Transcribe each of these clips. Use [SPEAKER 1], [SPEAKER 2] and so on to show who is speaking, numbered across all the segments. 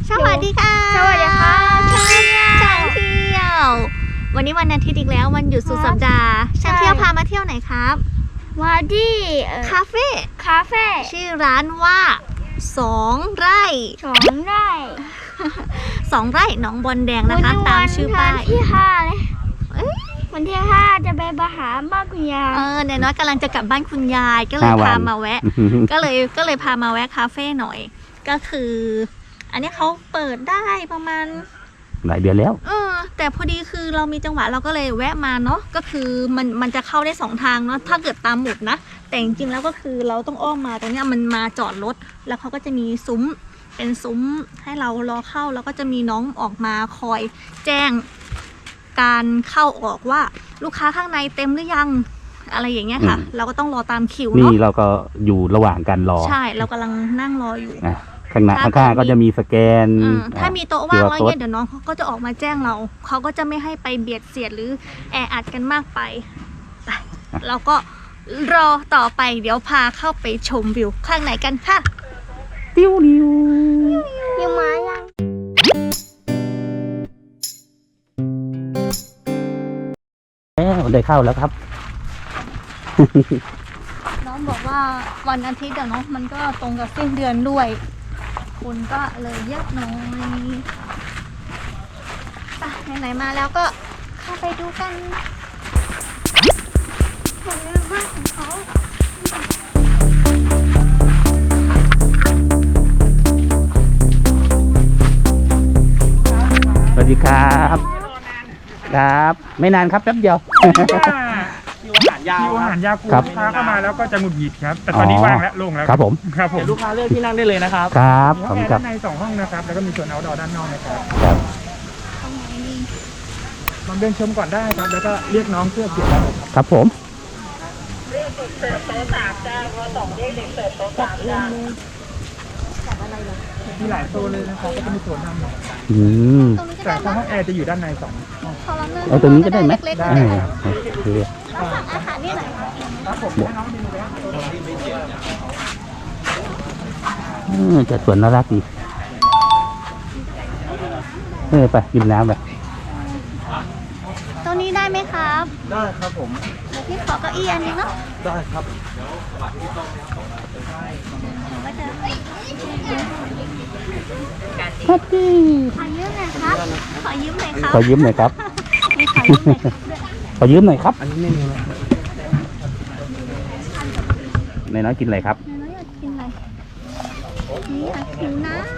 [SPEAKER 1] สวัสดีค่ะ
[SPEAKER 2] สวัสดีค่ะช่างเ
[SPEAKER 1] ที่ยววันนี้วันอาทิตย์อีกแล้ววันหยุดสุดสัปดาห์ช่างเที่ยวพามาเที่ยวไหนครับ
[SPEAKER 2] มาที่
[SPEAKER 1] คาเฟ่ชื่อร้านว่า2 ไร่
[SPEAKER 2] 2 ไร่
[SPEAKER 1] 2 ไร่หนองบอนแดงนะคะตามชื่อป้าย
[SPEAKER 2] ที่5เลยวันที่5จะไปหาบ้านคุณยาย
[SPEAKER 1] เดี๋ยวน้อยกำลังจะกลับบ้านคุณยายก็เลยพามาแวะก็เลยพามาแวะคาเฟ่หน่อยก็คืออันนี้เขาเปิดได้ประมาณ
[SPEAKER 3] หลายเดือนแล้ว
[SPEAKER 1] แต่พอดีคือเรามีจังหวะเราก็เลยแวะมาเนาะก็คือมันจะเข้าได้2 ทางเนาะถ้าเกิดตามหมุดนะแต่จริงๆแล้วก็คือเราต้องอ้อมมาตรงนี้มันมาจอดรถแล้วเขาก็จะมีซุ้มเป็นซุ้มให้เรารอเข้าแล้วก็จะมีน้องออกมาคอยแจ้งการเข้าออกว่าลูกค้าข้างในเต็มหรือยังอะไรอย่างเงี้ยค่ะเราก็ต้องรอตามคิวเนาะ
[SPEAKER 3] นี่เราก็อยู่ระหว่างการรอ
[SPEAKER 1] ใช่เรากำลังนั่งรออยู่
[SPEAKER 3] ข้างหน้าข้างๆก็จะมีสแกน
[SPEAKER 1] ถ้ามีโต๊ะว่างแล้วเนี่ยเดี๋ยวน้องเขาก็จะออกมาแจ้งเขาก็จะไม่ให้ไปเบียดเสียดหรือแออัดกันมากไปเราก็รอต่อไปเดี๋ยวพาเข้าไปชมวิวข้างในกันค่ะ
[SPEAKER 3] ติ้วนิว
[SPEAKER 2] ยังมายัง
[SPEAKER 3] ได้เข้าแล้วครับ
[SPEAKER 1] น้องบอกว่าวันอาทิตย์เดี๋ยวน้องมันก็ตรงกับสิ้นเดือนด้วยคนก็เลยเยอะหน่อยไปไหนๆมาแล้วก็เข้าไปดูกันผลงานบ้านของเขา
[SPEAKER 3] สวัสดีครับครับไม่นานครับแป๊บเดียว
[SPEAKER 4] คิวอาหารยาวลูกค้าเข้ามาแล้วก็จะหงุดหงิดครับแต่ตอนนี้ว่างแล้วโล่งแล้ว
[SPEAKER 3] ครับผม
[SPEAKER 4] ลูกค้าเลือกที่นั่งได้เลยนะครับ
[SPEAKER 3] ครับผม
[SPEAKER 4] ครับด้านใน2 ห้องนะครับแล้วก็มีส่วนเอาท์ดอร์ด้านนอกนะครับลองเดินชมก่อนได้ครับแล้วก็เรียกน้องเสื้อเขียวได้
[SPEAKER 3] ครับผม
[SPEAKER 4] เรียกเสิร์ฟโต๊ะ3จ้าพอ2เรียกเด็กเสิร์ฟโต๊ะ3จ้ามีหลายโซนเลยนะครับก็จะมีส่วนทำแต่ห้องแอร์จะอยู่ด้านใน2
[SPEAKER 3] เอาตรงนี้ก็ได้ไหมได้
[SPEAKER 1] โอเคอาหารนี่ไหน
[SPEAKER 4] ครับผมให้น้องดู
[SPEAKER 3] เลยจัดสวนน่ารักดีไปกินน้ำไป
[SPEAKER 1] ตรงนี้ได้ไหมครับ
[SPEAKER 4] ได้ครับผม
[SPEAKER 1] พี่ขอเก้าอี้อันนี้เนาะ
[SPEAKER 4] ได้ครับ
[SPEAKER 1] ครับพี่ขอยืมหน่อยครับขอยืมหน่อยครับ
[SPEAKER 3] ขอยืมหน่อยครับขอยืมหน่อยครับอันนี้เมนูในน้อยกินอะไรครับ
[SPEAKER 1] ในน้อยอยากกินอะไรนี่อยากกินน้ำ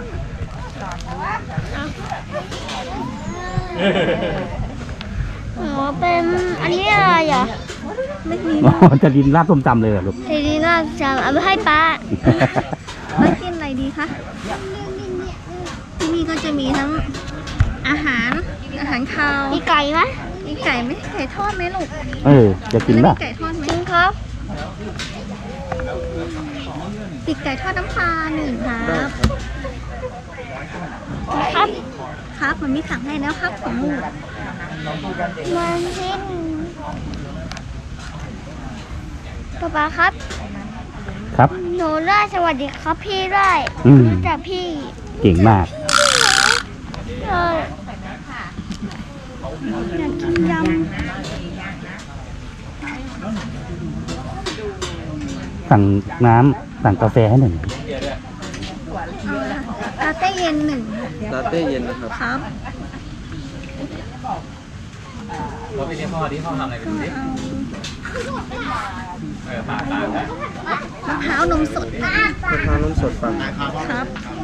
[SPEAKER 2] เป็นอันนี้อะไรอ่ะ
[SPEAKER 1] ไม่มี
[SPEAKER 3] จะดินราดส้มตำเลยเหรอลูก
[SPEAKER 2] จะดินราดส้มเอาไปให้ป้า
[SPEAKER 1] ไม่กินอะไรดีคะที่นี่ก็จะมีทั้งอาหารคาว
[SPEAKER 2] มีไก่ไหม
[SPEAKER 1] มีไก่ไหมไก่ทอดไหมลูก
[SPEAKER 3] จะกินป่ะ
[SPEAKER 1] ไก่ทอดไหม
[SPEAKER 2] ครับ
[SPEAKER 1] ติดไก่ทอดน้ำปลา1ครับครับมันมีสั่งให้แล้วครับของลูก
[SPEAKER 2] มันทิ้งป้าครับหนูได้สวัสดีครับพี่ได้รู้จักพี่
[SPEAKER 3] เก่งมาก
[SPEAKER 1] อยากกินยำ
[SPEAKER 3] สั่งน้ำสั่งกาแฟให้1
[SPEAKER 1] ลาเต้เย็น1
[SPEAKER 4] ลาเต้เย็นนะครับ
[SPEAKER 1] ครับ
[SPEAKER 4] เราไปเรียนพ่อที่พ่อทำอะไรกันดิ
[SPEAKER 1] มะพร้าวนมสด
[SPEAKER 4] ฟัง
[SPEAKER 1] ครับ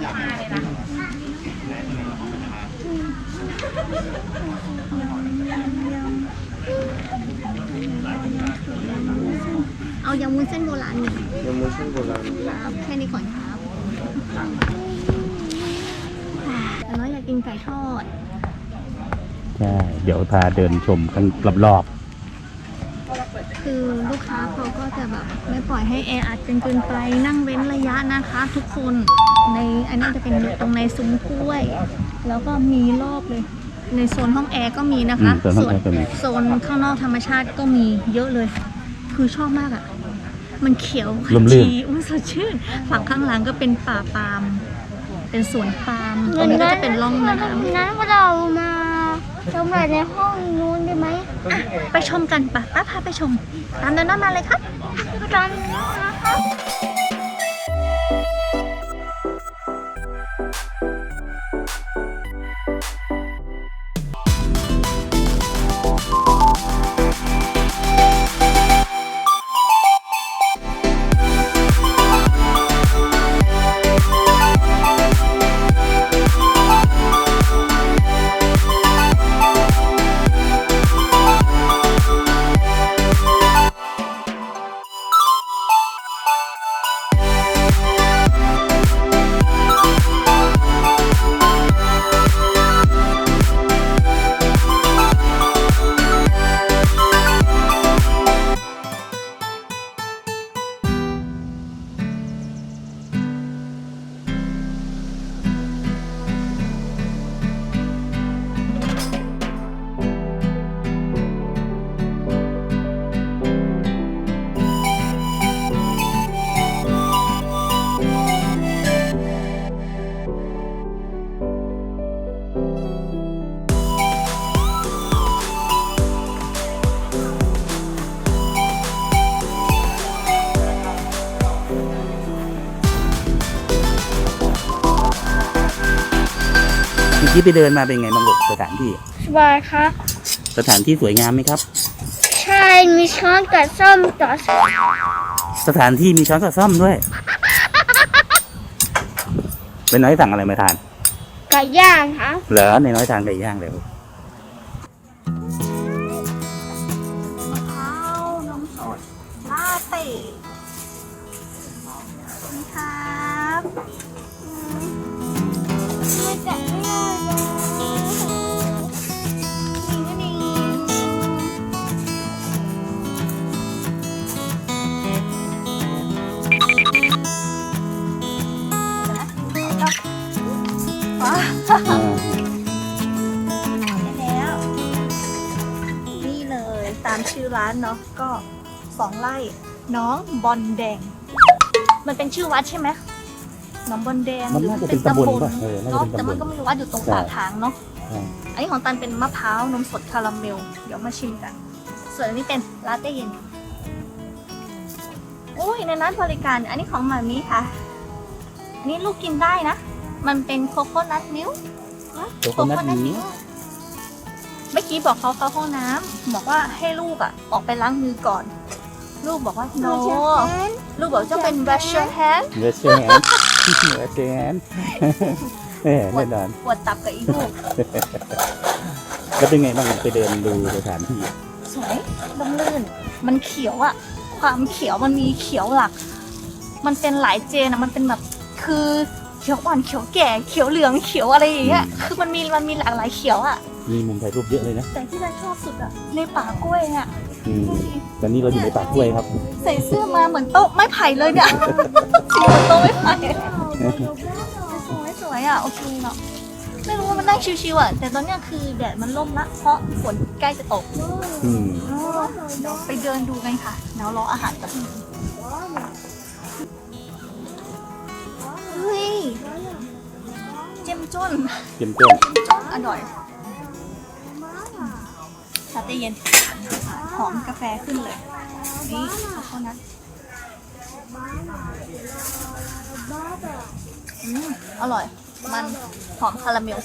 [SPEAKER 1] เอายำวุ้นเส้นโบราณ
[SPEAKER 4] ยำวุ้นเส้นโบราณ
[SPEAKER 1] ครับแค่นี้ก่อนครับแต่น้อยอยากกินไก่ทอด
[SPEAKER 3] ใช่เดี๋ยวพาเดินชมกันรอบ
[SPEAKER 1] คือลูกค้าเขาก็จะแบบไม่ปล่อยให้แออัดจนเกินไปนั่งเว้นระยะนะคะทุกคนในอันนี้จะเป็นตรงในซุ้มกล้วยแล้วก็มีรอบเลยในโซนห้องแอร์ก็มีนะคะโซนข้างนอกธรรมชาติก็มีเยอะเลยคือชอบมากอ่ะมันเขียวขจีมันสดชื่นฝั่งข้างหลังก็เป็นป่าปาล์มเป็นสวนปาล์มตรงนี้ก็จะเป็นร่องน้ำ
[SPEAKER 2] นั้นเรามาชมอะไรในห้องนู้นได้ไหม
[SPEAKER 1] ไปชมกันปะป้าพาไปชม ตามเดินน้ามาเลยครับ
[SPEAKER 2] ตอนนี้นะคะ
[SPEAKER 3] เมื่อกี้ไปเดินมาเป็นไงบ้างลูกสถานที่
[SPEAKER 2] สบายครับ
[SPEAKER 3] สถานที่สวยงามไหมครับ
[SPEAKER 2] ใช่มีช้อนกับส้มต่อ
[SPEAKER 3] สถานที่มีช้อนกับซ่อมด้วยเป็นน้อยสั่งอะไรมาทาน
[SPEAKER 2] ไก่ย่างครับ
[SPEAKER 3] เหรอในน้อยทานไก่ย่างเลยลูก
[SPEAKER 1] มะพร้าวนมสดลาเต้นี่ครับ
[SPEAKER 2] ไม่แกะไม่ได้เลย
[SPEAKER 1] นี่
[SPEAKER 3] อ่า
[SPEAKER 1] แล้วนี่เลยตามชื่อร้านเนาะก็2 ไร่น้องบอลแดง มันเป็นชื่อวัดใช่ไหมน้องบอลแดง
[SPEAKER 3] มันน่าจะเป็นตำบลป่ะน่าจะ
[SPEAKER 1] เนาะ
[SPEAKER 3] เป็น
[SPEAKER 1] แต่
[SPEAKER 3] ตำบ
[SPEAKER 1] มัน
[SPEAKER 3] ล
[SPEAKER 1] ก็ไม่รู้ว่าอยู่ตรงปากทางเนาะอันนี้ของตันเป็นมะพร้าวนมสดคาราเมลเดี๋ยวมาชิมกัน ส่วนอันนี้เป็นลาเต้เย็นโอ้ยในนั้นบริการอันนี้ของหมามีค่ะอันนี้ลูกกินได้นะ มันเป็นโคโคนัทมิลค์
[SPEAKER 3] โคโคนัทนี้
[SPEAKER 1] เมื่อกี้บอกเขาเข้าห้องน้ำบอกว่าให้ลูกอ่ะออกไปล้างมือก่อน ลูกบอกว่า no ลูกบอกจะเป็น wash your hand
[SPEAKER 3] เวสเชนเวสเชนแน่นอน
[SPEAKER 1] ปวดตับกับอีลูก
[SPEAKER 3] แล้วเป็นไงบ้างไปเดินดูสถานที่
[SPEAKER 1] สวยร่มรื่น มันเขียวอ่ะ ความเขียวมันมีเขียวหลัก มันเป็นหลายเจนอ่ะมันเป็นแบบคือเขียวอ่อนเขียวแก่เขียวเหลืองเขียวอะไรอย่างเงี้ยคือมันมีหลากหลายเขียวอ่ะ
[SPEAKER 3] มีมุมถ่ายรูปเยอะเลยนะ
[SPEAKER 1] แต่ที่ฉันชอบสุดอ่ะในป่ากล้วยอ่ะ
[SPEAKER 3] ตอนนี้เราอยู่ในป่ากล้วยครับ
[SPEAKER 1] ใส่เสื้อมาเหมือนโต๊ะไม้ไผ่เลยเนี่ย สีเหมือนโต๊ะไม้ไผ่สวยอ่ะโอเคเนาะไม่รู้ว่ามันนั่งชิวๆอ่ะแต่ตอนเนี้ยคือแดดมันร่มละเพราะฝนใกล้จะตก
[SPEAKER 3] อืม
[SPEAKER 1] เดี๋ยวไปเดินดูกันค่ะเดี๋ยวรออาหารกับพี่เฮ้ยเจ้มจ้น
[SPEAKER 3] เต็มต้น
[SPEAKER 1] อร่อยลาเต้เย็นหอมกาแฟขึ้นเลยนี่โคโคนัทอร่อย มันหอมคาราเมล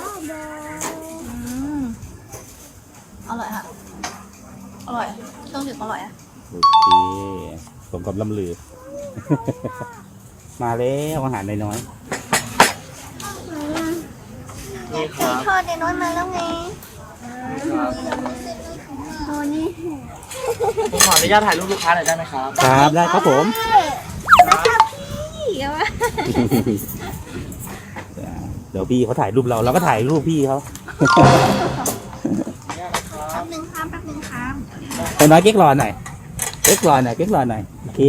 [SPEAKER 1] อร่อยค่ะ อร่อยเครื่องดื่มอร่อยอ่ะ
[SPEAKER 3] โอเคสมกับลำลือ มาแล้วอาหารน้อย
[SPEAKER 1] ไก่ทอดเด็น้อยมาแล้วไง
[SPEAKER 2] ตัวนี้
[SPEAKER 5] ผมขออนุญาตถ่ายรูปลูกค้าหน่อยได้ไหมครับ
[SPEAKER 3] ๆครับได้ครับผม
[SPEAKER 1] นะคะพี่เอาวะ
[SPEAKER 3] เดี๋ยวพี่เขาถ่ายรูปเราก็ถ่ายรูปพี่เขา
[SPEAKER 1] แป๊บนึงครับ
[SPEAKER 3] ไปน้อยเก๊กรอหน่อยเก๊กรอหน่อยโอเค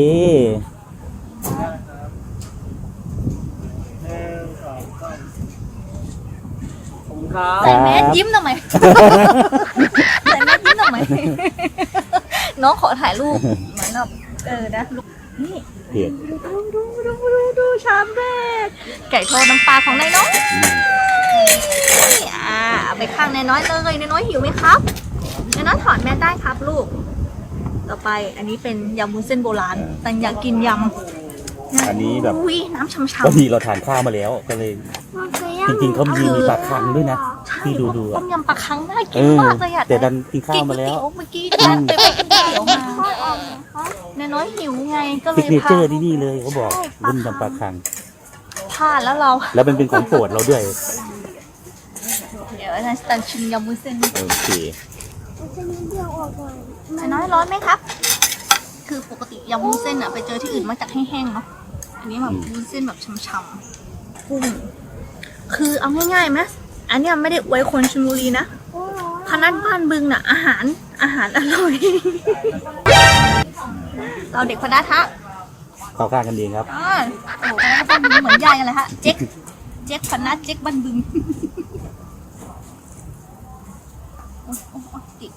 [SPEAKER 5] ครับ
[SPEAKER 1] ใส่แมสยิ้มทำไม ใส่แมสยิ้มทำไม น้องขอถ่ายรูปเหมือนแบบนะลูกนี่
[SPEAKER 3] เผ็ด
[SPEAKER 1] ดูชามแรกไก่ทอดน้ำปลาของนายน้อยนี่เอาไปข้างนายน้อยเลยนายน้อยหิวไหมครับนายน้อยถอดแมสได้ครับลูก ต่อไปอันนี้เป็นยำวุ้นเส้นโบราณแต่อยากกินยำ
[SPEAKER 3] อันนี้แบบ
[SPEAKER 1] อุ้ยน้ำช่ำ
[SPEAKER 3] บางทีเราทานข้าวมาแล้วก็เลย จริงๆเขามีปลาคังด้วยนะ
[SPEAKER 1] ๆใช่
[SPEAKER 3] ที่ดูๆ
[SPEAKER 1] ต้
[SPEAKER 3] อ่ะ
[SPEAKER 1] มยำปลาคังน่ากินมากเลยอะ
[SPEAKER 3] แต่ดันกินข้าวมาแล้ว
[SPEAKER 1] กินก๋ยเตี๋ยเมื่อกี้ดันไปกินก๋วยเตี๋ยวมาเนยน้อยหิวไงก็เล
[SPEAKER 3] ซิก
[SPEAKER 1] ย
[SPEAKER 3] เน
[SPEAKER 1] พา
[SPEAKER 3] เจอร์ที่นี่เลยเขาบอก
[SPEAKER 1] ใช่
[SPEAKER 3] รุ่นยำปลาคัง
[SPEAKER 1] พลาดแล้วเรา
[SPEAKER 3] แล้วมันเป็นของโปรดเราด้วย
[SPEAKER 1] เดี๋ยวนะตันชิมยำวุ้นเส้น
[SPEAKER 3] โอเค
[SPEAKER 1] เนยน้อยร้อนไหมครับ คือปกติยำวุ้นเส้นอะไปเจอที่อื่นมาจากแห้งๆเนาะอันนี้แบบวุ้นเส้นแบบช่ำๆกุ้งคือเอาง่ายๆไหมอันเนี้ยไม่ได้อวยคนชลบุรีนะพนัสบ้านบึงน่ะอาหารอร่อย เราเด็กพนัสฮะ
[SPEAKER 3] เข้าข้างกันเองครับ
[SPEAKER 1] โอ้โหพนัสบ้านบึงเหมือนยายกันเลยฮะเจ๊กพนัสเจ๊กบ้านบึงโอ้ติด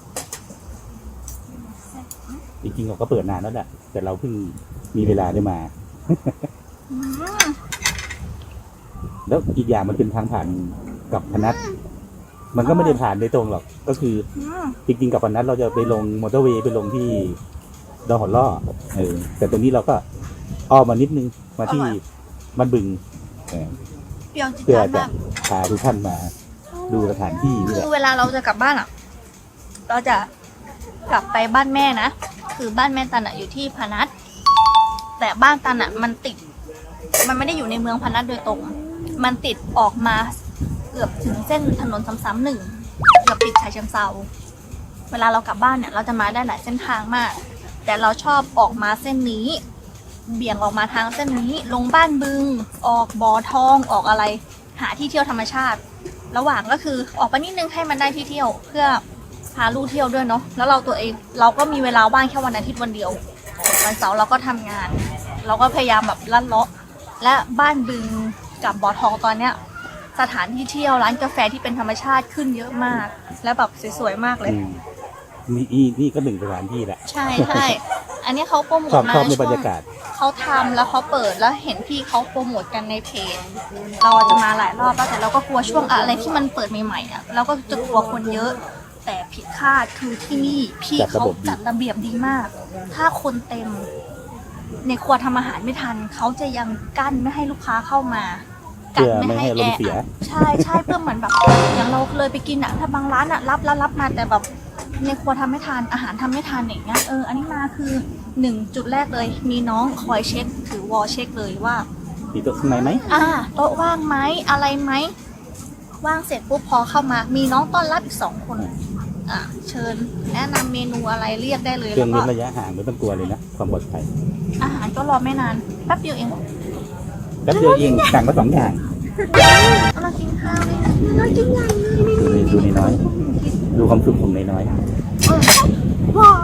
[SPEAKER 3] จริงๆเราก็เปิดนานแล้วแหละแต่เราเพิ่งมีเวลาได้มา
[SPEAKER 1] อืม
[SPEAKER 3] แล้วอีกอย่างมันเป็นทางผ่านกับพนัสมันก็ไม่ได้ผ่านโดยตรงหรอก ก็คือ
[SPEAKER 1] อืม
[SPEAKER 3] จริงๆกับพนัสเราจะไปลงมอเตอร์เวย์ไปลงที่ดอนหอล่อแต่ตรงนี้เราก็อ้อมมานิดนึงมาที่บ้านบึง
[SPEAKER 1] เปรี้ยวจิ๊ด
[SPEAKER 3] เพื่อ
[SPEAKER 1] จ๊าด
[SPEAKER 3] จะ
[SPEAKER 1] มาก
[SPEAKER 3] พาทุกท่านมาดูสถานที่นี่แห
[SPEAKER 1] คื
[SPEAKER 3] ละ
[SPEAKER 1] อเวลาเราจะกลับบ้านอ่ะ เราจะกลับไปบ้านแม่นะ คือบ้านแม่ตันอ่ะอยู่ที่พนัสแต่บ้านตันอ่ะมันติด มันไม่ได้อยู่ในเมืองพนัสโดยตรง มันติดออกมาเกือบถึงเส้นถนนซ้ำๆหนึ่งเกือบติดชายเชิงเซาเวลาเรากลับบ้านเนี่ยเราจะมาได้หลายเส้นทางมาก แต่เราชอบออกมาเส้นนี้ เบี่ยงออกมาทางเส้นนี้ ลงบ้านบึง ออกบ่อทอง ออกอะไร หาที่เที่ยวธรรมชาติ ระหว่างก็คือออกไปนิดนึงให้มันได้ที่เที่ยว เพื่อพาลูกเที่ยวด้วยเนาะ แล้วเราตัวเองเราก็มีเวลาว่างแค่วันอาทิตย์วันเดียว วันเสาร์เราก็ทำงาน เราก็พยายามแบบลั่นเลาะ และบ้านบึงกับบ่อทองตอนเนี้ย สถานที่เที่ยวร้านกาแฟที่เป็นธรรมชาติขึ้นเยอะมาก และแบบสวยๆมากเลย
[SPEAKER 3] นี่ก็หนึ่งสถานที่แหละ
[SPEAKER 1] ใช่ใช่อันนี้เขาโปรโมท
[SPEAKER 3] ชอบ
[SPEAKER 1] มา
[SPEAKER 3] ชอบใน
[SPEAKER 1] ช่
[SPEAKER 3] บร
[SPEAKER 1] ว
[SPEAKER 3] รง ยากาศ
[SPEAKER 1] เขาทำแล้วเขาเปิดแล้วเห็นพี่เขาโปรโมทกันในเพจ เราจะมาหลายรอบแล้วแต่เราก็กลัวช่วงอะไรที่มันเปิดใหม่ๆอ่ะเราก็จะกลัวคนเยอะ แต่ผิดคาดคือที่นี่พี่เขาจัดระเบียบดีมาก ถ้าคนเต็ม ในครัวทำอาหารไม่ทันเขาจะยังกั้นไม่ให้ลูกค้าเข้ามากั้นไม่ให้แอร์ใช่ใช่เพื่อเหมือนแบบอย่างเราเลยไปกินอ่ะถ้าบางร้านอ่ะรับมาแต่แบบในครัวทำไม่ทันอาหารทำไม่ทันอย่างเงี้ยอันนี้มาคือ1 จุดแรกเลย มีน้องคอยเช็คถือวอลเช็คเลยว่า
[SPEAKER 3] มีโต๊ะข้างในไหม
[SPEAKER 1] โต๊ะว่างไหมอะไรไหมว่างเสร็จปุ๊บพอเข้ามา มีน้องต้อนรับอีก2 คนเชิญแนะนำเมนูอะไรเรียกได้เลย
[SPEAKER 3] เครื่
[SPEAKER 1] แล้
[SPEAKER 3] อง
[SPEAKER 1] ว
[SPEAKER 3] เว้
[SPEAKER 1] ก็
[SPEAKER 3] นระยะห่างไม่ต้องกลัวเลยนะความปลอดภัย
[SPEAKER 1] อาหารก็รอไม่นานแป๊บเดียวเอง
[SPEAKER 3] แป๊บเดียวเองสั่งมา2 อย่าง
[SPEAKER 1] เรากินข้าวเลยเรากินใหญ่เลย
[SPEAKER 3] ดูในน้อยดูความสุขของในน้อย
[SPEAKER 1] ว้าว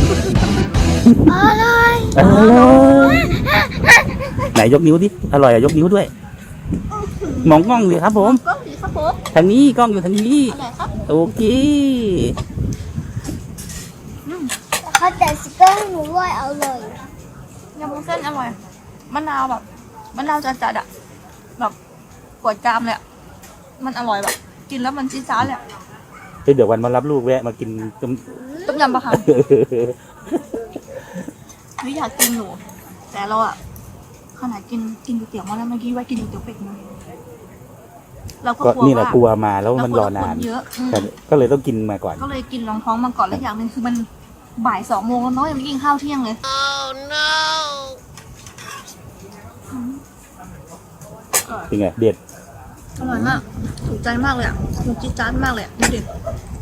[SPEAKER 1] อะไร
[SPEAKER 3] อร่อยไหนยกนิ้วดิอร่อยอะยกนิ้วด้วย มองกล้องเลยครับผม
[SPEAKER 1] ก็ดีครับผม
[SPEAKER 3] ทางนี้กล้องอยู่ทางนี้
[SPEAKER 1] อร่อยครับ
[SPEAKER 3] โอเค
[SPEAKER 2] เขาแต่สเกอร์ให้หนูด้วยเอาเลย
[SPEAKER 1] ยำวุ้นเส้นอร่อยมะนาวแบบมะนาวจัดๆอะแบบกวดจามเลยอะมันอร่อยแบบกินแล้วมันจี๊ดจ๊าดเลยอะ
[SPEAKER 3] เดี๋ยววันมารับลูกแวะมากินต้ม
[SPEAKER 1] ต้มยำปลาคังไม่อยากกินอยู่แต่เราอะขนาดกินก๋วยเตี๋ยวมาแล้วเมื่อกี้ว่ากินก๋วยเตี๋ยวเป็ดมาเราก็
[SPEAKER 3] ก็
[SPEAKER 1] กลัว
[SPEAKER 3] นี่แหละ
[SPEAKER 1] ว่าก
[SPEAKER 3] ลัวมาแล้วมันรอนาน
[SPEAKER 1] เยอะ
[SPEAKER 3] แต่ก็เลยต้องกินมาก่อน
[SPEAKER 1] ก็เลยกินรองท้องมาก่อนแล้วอย่างหนึ่งคือมันบ่าย2 โมงแล้วเนาะยังไม่กินข้าวเที่ยงเลย
[SPEAKER 3] เป็นไงเด็ด
[SPEAKER 1] อร่อยมากถูกใจมากเลยอ่ะมันจี๊ดจ๊าดมากเลยอะดูดิ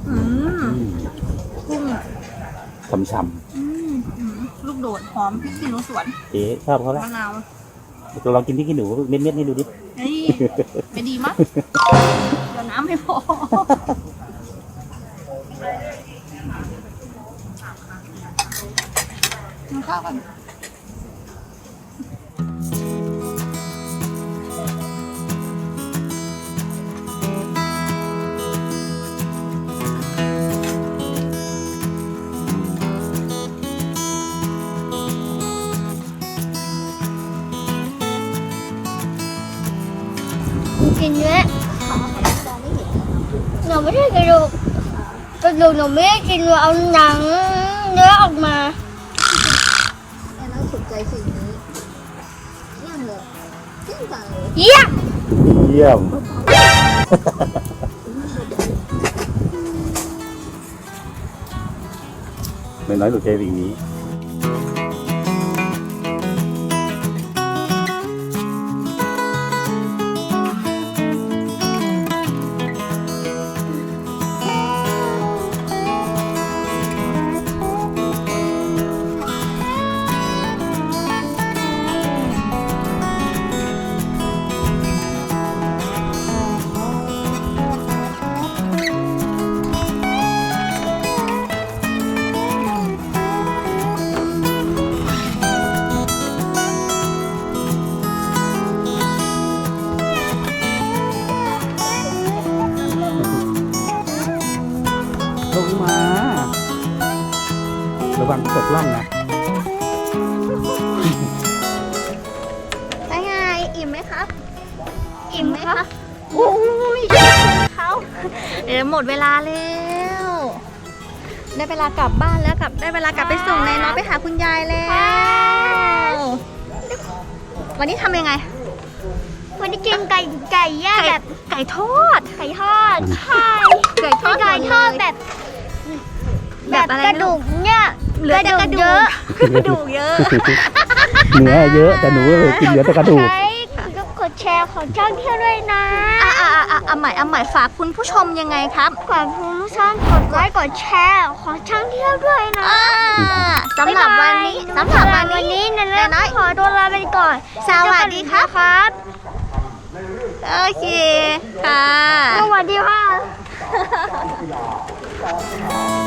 [SPEAKER 1] กุ้ง
[SPEAKER 3] ช่ำ
[SPEAKER 1] ลูกโดดหอมพริกขี้หนูสวน
[SPEAKER 3] ๆเจ๊ชอบเขาละ
[SPEAKER 1] มะนาว
[SPEAKER 3] ลองกินที่ขี้หนูเม็ดๆให้ดูดิ
[SPEAKER 1] เฮ้ยไม่ดีมั้ยเดี๋ยวน้ำไม่พอกินข้าวกัน
[SPEAKER 2] กระดูกหนูไม่ได้กินหนูเอาหนังเนื้อออกมา
[SPEAKER 1] แอนน่าสนใจสิ่งนี้เยี่ยมเลยเยี่ยมจังเลย
[SPEAKER 2] เยี่ยม
[SPEAKER 3] เยี่ยม น้อยๆหนูใจสิ่งนี้ ลงมาระวังตกล่องนะ
[SPEAKER 1] ได้ไงอิ่มไหมครับ อิ่มไหมคะโอ้ยเขาเดี๋ยวหมดเวลาแล้วได้เวลากลับบ้านแล้วได้เวลากลับไปส่งนายน้อยไปหาคุณยายแล้ววันนี้ทำยังไง
[SPEAKER 2] วันนี้กินไก่ย่างแบบ
[SPEAKER 1] ไก่ทอด
[SPEAKER 2] ไก่ทอดใช่
[SPEAKER 1] ไก่ทอด
[SPEAKER 2] ไก่ทอดแบบ
[SPEAKER 1] แบบอะไร
[SPEAKER 2] กระดูกเนี่ย
[SPEAKER 1] เหลือแต่กระดูก
[SPEAKER 2] เยอะ
[SPEAKER 1] กระดูกเยอะ
[SPEAKER 3] เนื้อเยอะแต่หนูกินเหลือแต่กระดูก
[SPEAKER 2] ใช้กดแชร์ของช่องเที่ยวด้วยนะ
[SPEAKER 1] เอาใหม่ฝากคุณผู้ชมยังไงครับ
[SPEAKER 2] ขอบคุณทุกท่านกดไลค์กดแชร์ของช่องเที่ยวด้วยนะ
[SPEAKER 1] สำหรับวันนี้นะ
[SPEAKER 2] นะนะขอตัวลาไปก่อน
[SPEAKER 1] สวัสดีครับ
[SPEAKER 2] ครับ
[SPEAKER 1] โอเคค่ะ
[SPEAKER 2] สวัสดีค่ะ